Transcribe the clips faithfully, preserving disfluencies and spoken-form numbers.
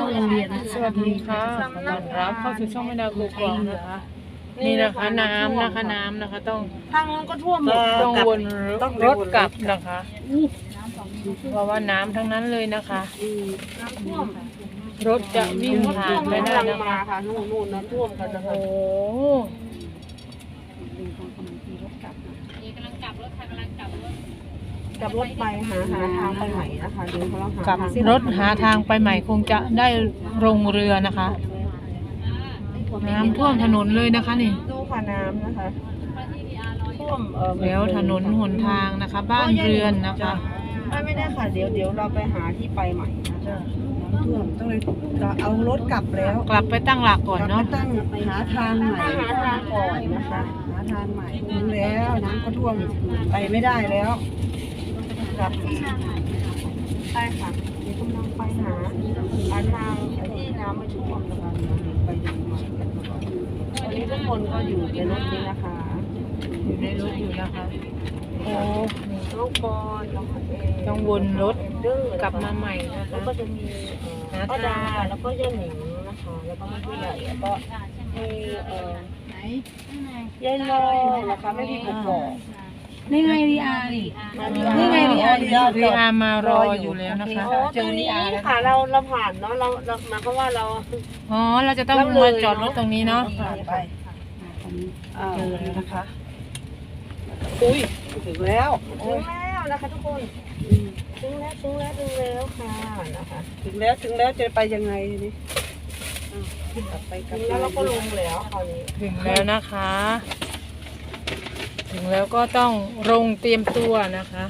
โรงเรียนสวัสดีค่ะต้อนรับเข้าสู่ช่องแม่ดาวกูกองนะคะนี่นะคะน้ำนะคะน้ำนะคะต้องทางนู้นก็ท่วมหมดต้องวนรถกลับนะคะเพราะว่าน้ำทั้งนั้นเลยนะคะน้ำท่วมรถจะวิ่งผ่านไม่ได้นะคะคะนู่นนู่นน้ำท่วมกันนะคะโอ้กลับรถไปหาหาทางไปใหม่นะคะเดี๋ยวเขาหากับรถหาทางไปใหม่คงจะได้ลงเรือนะคะน้ำท่วมถนนเลยนะคะนี่ดูค่ะน้ำนะคะท่วมเออแล้วถนนหนทางนะคะบ้านเรือนนะคะไม่ไม่ได้ค่ะเดี๋ยวเดี๋ยวเราไปหาที่ไปใหม่นะน้ำท่วมต้องเลยจะเอารถกลับแล้วกลับไปตั้งหลักก่อนเนาะตั้งหาทางใหม่หาทางก่อนนะคะหาทางใหม่ถึงแล้วน้ำก็ท่วมไปไม่ได้แล้วกลับใช่ค่ะเดี๋ยวกำลังไปหาหาทางที่น้ำไม่ท่วมนะคะไปดูใหม่วันนี้ทุกคนก็อยู่ในรถนี้นะคะอยู่ในรถอยู่นะคะโอ้ลูกบอลน้องเอต้องวนรถกลับมาใหม่นะคะแล้วก็จะมีป้าดาแล้วก็ย่าหนิงนะคะแล้วก็ผู้ใหญ่แล้วก็มีเอ่อยายลอยนะคะไม่มีผมบอกนี่ไงรีอาร์นี่นี่ไงรีอาร์รีอาร์มารออยู่แล้วนะคะเจอรีอาร์ค่ะเราเราผ่านเนาะเราเราหมายความว่าเราอ๋อเราจะต้องมาจอดรถตรงนี้เนาะผ่านไปเจอแล้วนะคะอุ้ยถึงแล้วถึงแล้วนะคะทุกคนถึงแล้วถึงแล้วถึงแล้วค่ะนะคะถึงแล้วถึงแล้วจะไปยังไงนี่กลับไปกลับแล้วเราก็ลงแล้วคราวนี้ถึงแล้วนะคะ ถึงแล้วก็ต้องลงเตรียมตัวนะคะ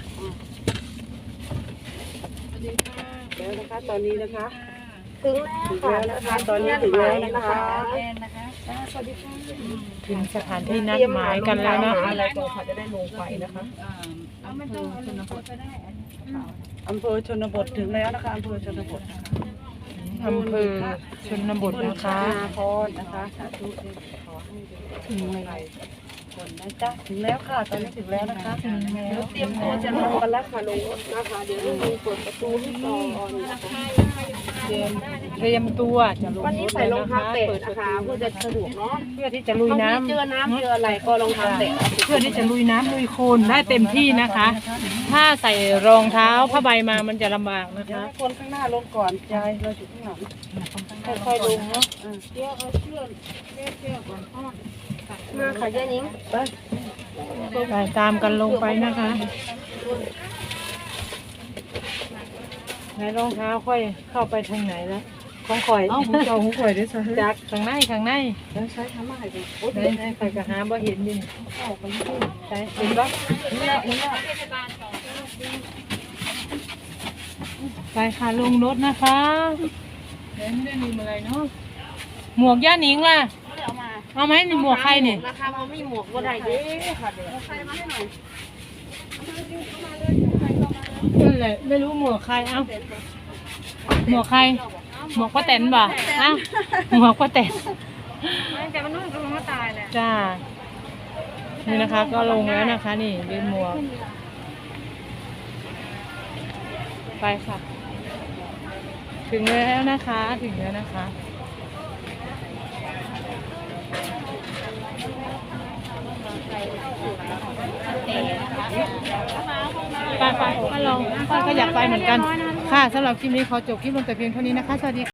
แล้วนะคะตอนนี้นะคะถึงแล้วนะคะตอนนี้ถึงแล้วนะคะสวัสดีค่ะถึงสถานที่นัดหมายกันแล้วนะอะไรก่อนค่ะจะได้ลงไปนะคะเอาไม่ต้องเอาชนบทก็ได้อำเภอชนบทถึงแล้วนะคะอำเภอชนบทอำเภอชนบทนะคะพรนะคะสาธุขอให้ถึงอะไรคนนะจ๊ะถึงแล้วค่ะตอนนี้ถึงแล้วนะคะถึงแล้วเตรียมตัวจะลงกันแล้วค่ะลงนะคะเดี๋ยวลุงเปิดประตูให้ก่อนนะคะเตรียมเตรียมตัวจะลงวันนี้ใส่รองเท้าแตะนะคะเพื่อจะสะดวกเนาะเพื่อที่จะลุยน้ำเจอน้ำเจออะไรก็รองเท้าแตะเพื่อที่จะลุยน้ำลุยโคลนได้เต็มที่นะคะถ้าใส่รองเท้าผ้าใบมามันจะลำบากนะคะคนข้างหน้าลงก่อนยายเราอยู่ข้างหลังค่อยๆลงเนาะเชือกเอาเชือกเชือกเชือกก่อนมาค่ะยายนิ้งไปไปตามกันลงไปนะคะไหนรองเท้าค่อยเข้าไปทางไหนแล้วของข่อยเอ้าผมจะเอาของข่อยด้วยใช่จากข้างในข้างในแล้วใช้ทำอะไรกันโอ้ยไหนใครก็หาบ่เห็นดิเข้าไปที่ใช่เห็นปะเห็นแล้วเห็นแล้วไปค่ะลงรถนะคะเดี๋ยวไม่ได้ลืมอะไรเนาะหมวกย่าหนิงล่ะเอาไหมหมวกใครเนี่ยราคามันไม่หมวกก็ได้เด้ค่ะเดี๋ยวใครมาให้หน่อยนั่นแหละไม่รู้หมวกใครเอ้าหมวกใครหมวกป้าแตนบ่เอ้าหมวกป้าแตนแต่มันนุ่มก็มันก็ตายแหละจ้านี่นะคะก็ลงแล้วนะคะนี่เป็นหมวกไปค่ะถึงแล้วนะคะถึงแล้วนะคะไปไปมาลองป้าก็อยากไปเหมือนกันค่ะสำหรับคลิปนี้ขอจบคลิปลงแต่เพียงเท่านี้นะคะสวัสดี